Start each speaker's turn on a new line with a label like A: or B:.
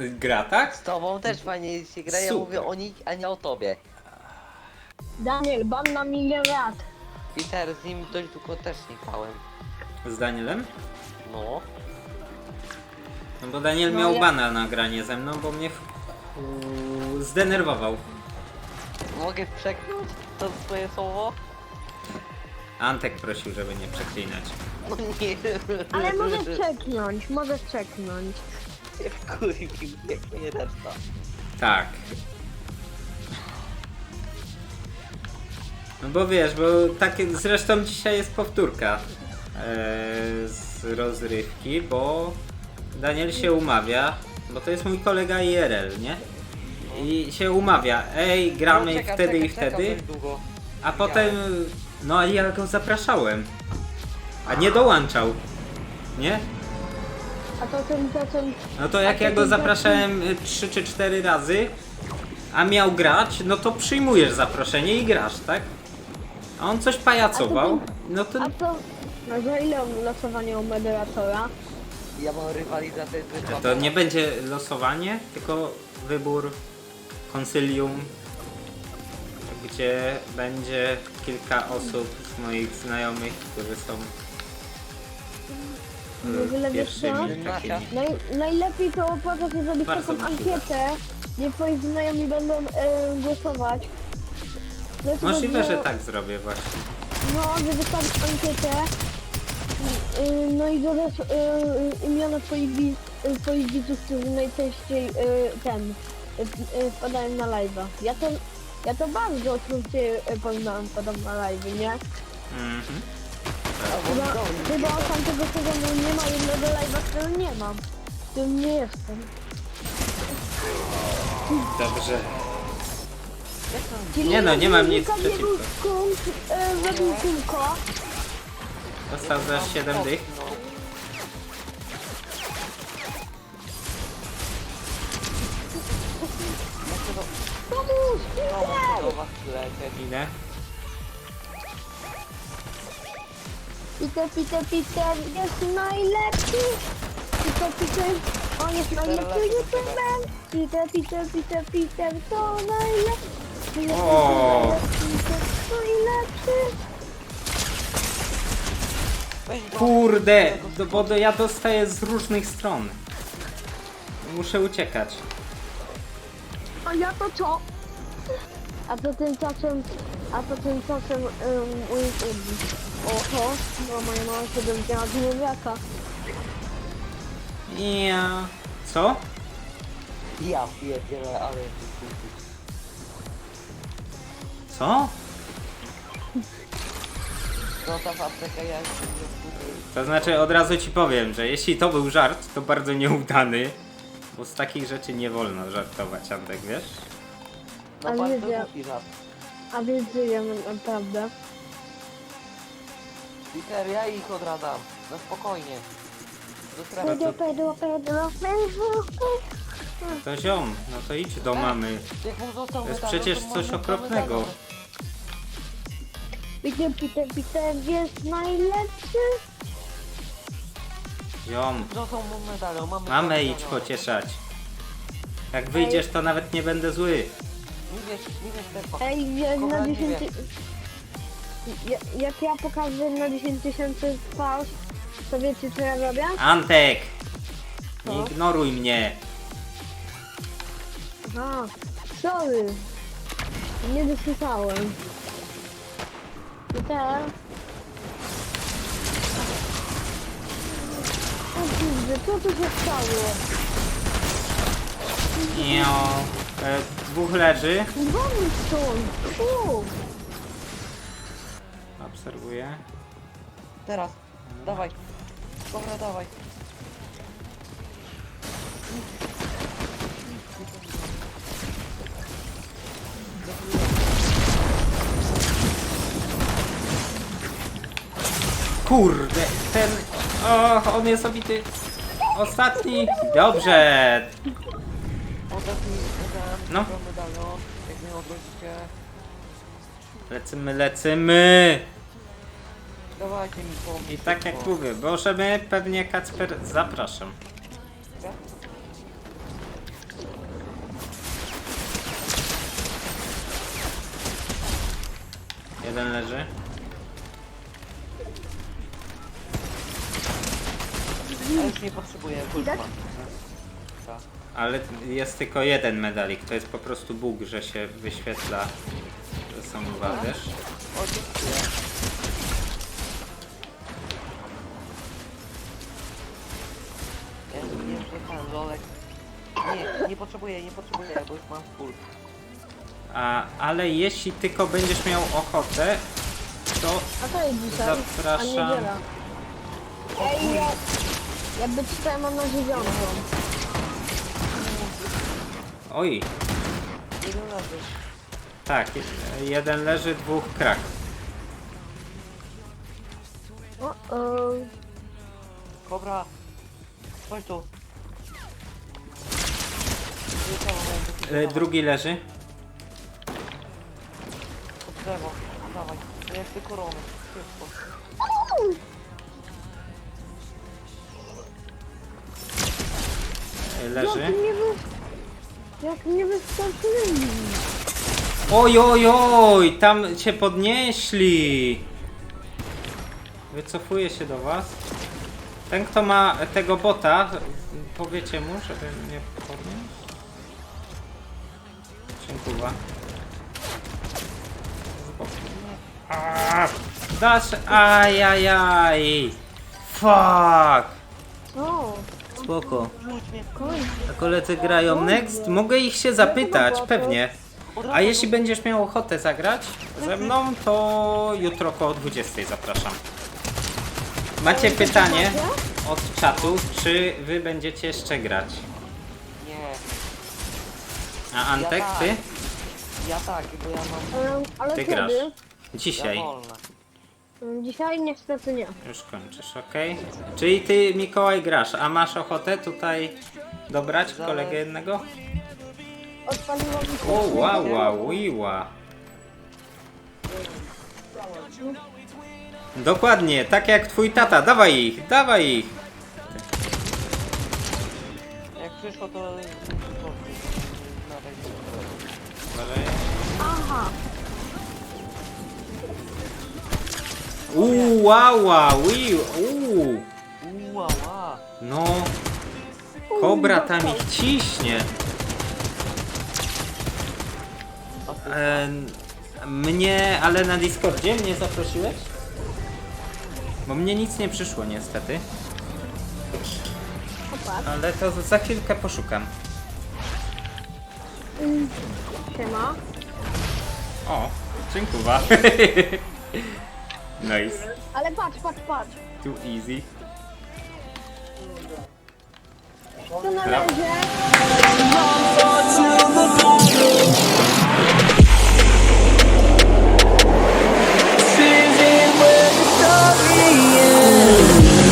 A: gra, tak?
B: Z tobą też fajnie się gra, ja
A: Super.
B: mówię o nich, a nie o tobie.
C: Daniel, ban na milion lat.
B: Peter, z nim dość długo też nie grałem.
A: Z Danielem?
B: No.
A: No bo Daniel
C: No,
A: miał
C: ja-
A: bana na granie ze mną, bo mnie zdenerwował.
B: Mogę przeknąć to swoje słowo?
A: Antek prosił, żeby nie przeklinać.
B: No nie.
C: Ale możesz czeknąć, możesz czeknąć.
B: się wkurwił, jak nie reszta.
A: Tak. No bo wiesz, bo tak zresztą dzisiaj jest powtórka z rozrywki, bo Daniel się umawia, bo to jest mój kolega IRL, nie? I się umawia, ej, gramy
B: No, czekam,
A: wtedy i
B: czekam
A: wtedy,
B: dość długo.
A: a potem, no ale ja go zapraszałem, a nie dołączał, nie?
C: A to ten.
A: No to jak ja go zapraszałem 3 czy 4 razy, a miał grać, no to przyjmujesz zaproszenie i grasz, tak? A on coś pajacował, no to...
C: A to. No za ile losowanie u moderatora?
B: Ja mam rywalizację z
A: To nie będzie losowanie, tylko wybór konsylium, gdzie będzie kilka osób z moich znajomych, którzy są
C: W ogóle wiesz co?
A: pierwszymi takimi.
C: Najlepiej to opłaca się zrobić
A: Bardzo
C: taką
A: mi się uda.
C: ankietę, gdzie twoi znajomi będą głosować. No to
A: Możliwe,
C: będzie-
A: że tak zrobię właśnie.
C: No, że wystawisz ankietę. No i dodasz imiona twoich widzów, którzy najczęściej wpadają na live'a. Ja to bardzo oczywiście podam na live'y, nie?
A: Mhm.
C: Chyba od tamtego sezonu nie ma jednego live'a, którego nie mam. W którym nie jestem.
A: Dobrze.
C: Czyli
A: Nie no, nie mam nic
C: Wilka
A: przeciwko.
C: Zrobił kółko.
A: Dostał za 7 dych.
B: No.
C: Pomóż!
B: No,
C: Peter!
B: do was lecieć.
A: Ile?
C: Peter jest najlepszy! Peter, on jest najlepszy youtuberem! Peter, to najlepszy!
A: O.
C: Najlepszy!
B: Weź go.
A: Kurde, bo ja dostaję z różnych stron. Muszę uciekać.
C: A ja to co? A to tymczasem oho, no moja mama się dowiedziała z niewiaka.
A: Ja. Co?
B: Ja pierdzielę, ale...
A: Co?
B: Zostaw aptekę, ja jestem nie
A: To znaczy od razu ci powiem, że jeśli to był żart, to bardzo nieudany. Bo z takich rzeczy nie wolno żartować, Antek, wiesz?
B: No
C: Ale
B: bardzo
C: widzę.
B: głupi żart.
C: A więc żyję naprawdę.
B: Peter, ja ich odradzam. No spokojnie. Do strefy.
C: Pedro.
A: To ziom, no to idź do mamy.
B: Jak mu został
A: To jest
B: medalion,
A: przecież
B: to
A: coś
B: może
A: okropnego.
B: medalion.
C: Peter jest najlepszy.
A: Ziom,
B: Został mu medalion, mamy...
A: mamę
B: to
A: idź
B: medalion.
A: pocieszać. Jak wyjdziesz, to nawet nie będę zły.
B: Nie wiesz, Stefa.
C: Ej, ja
B: Kochani,
C: na
B: nie
C: 10...
B: wiem.
C: Jak ja pokażę na 10 tysięcy twarz, to wiecie co ja robię?
A: Antek! Nie
C: Co?
A: ignoruj mnie.
C: Aha, sorry. Nie dosłyszałem. Peter. O kurde, co tu się stało?
A: Io. Dwóch leży.
C: Dzwonił stąd!
A: Obserwuję.
B: Teraz. Dawaj. Dobra, dawaj.
A: Kurde, ten... O, on jest obity. Ostatni. Dobrze.
B: Oddać mi
A: No.
B: medalion. Jak mnie odwrócicie.
A: Lecimy.
B: Dawajcie mi pomóc.
A: I tak jak mówię, możemy pewnie Kacper zapraszam. Jeden leży.
B: Ja już nie potrzebuję
C: Widać?
B: kulpa. Tak.
A: Ale jest tylko jeden medalik. To jest po prostu bóg, że się wyświetla, że są dwa, wiesz?
B: O, dziękuję. Ja nie wiem, że ten lolek. Nie potrzebuję, bo już mam full.
A: Ale jeśli tylko będziesz miał ochotę, to
C: A to jest dzisiaj, a
A: zapraszam.
C: niedziela. Ej, jakby czytałem, mam na 9.
A: Oj,
B: Jeden leży.
A: tak, jeden leży, dwóch krak.
C: O,
B: Kobra. Chodź tu. Wyleciało moje do
A: Drugi leży.
B: pod drzewo. Dawaj. To jak ty korony. Szybko.
A: Leży.
C: Jak nie wystarczyli.
A: Oj, oj, oj, tam cię podnieśli. Wycofuję się do was. Ten, kto ma tego bota, powiecie mu, żeby mnie podnieść. Dziękuję. Dasz, ajajaj. Fuck.
C: O,
A: Spoko.
B: Rzuć mnie.
C: koń.
A: A koledzy grają next? Mogę ich się zapytać, pewnie. A jeśli będziesz miał ochotę zagrać ze mną, to jutro koło 20 zapraszam. Macie pytanie od czatu, czy wy będziecie jeszcze grać?
B: Nie.
A: A Antek, ty?
B: Ja tak, bo ja mam...
C: Ale
A: Ty
C: kiedy?
A: grasz.
B: Ja
A: Dzisiaj.
B: wolna.
C: Dzisiaj niestety nie.
A: Już kończysz, okej? Czyli ty, Mikołaj, grasz, a masz ochotę tutaj dobrać kolegę jednego?
C: Odpaliło mi się.
A: O, wow, wow, wiła. Dokładnie, tak jak twój tata, dawaj ich, dawaj ich.
B: Jak przyszło, to... Na razie.
A: Uważaj.
C: Aha.
A: Wow, wow,
B: Ła.
A: No, kobra tam ich ciśnie. Mnie, ale na Discordzie mnie zaprosiłeś? Bo mnie nic nie przyszło niestety.
C: Popatrz.
A: Ale to za chwilkę poszukam.
C: Siema.
A: O, dziękuję. Nice.
C: Ale patrz.
A: Too easy.
C: Tu na razie.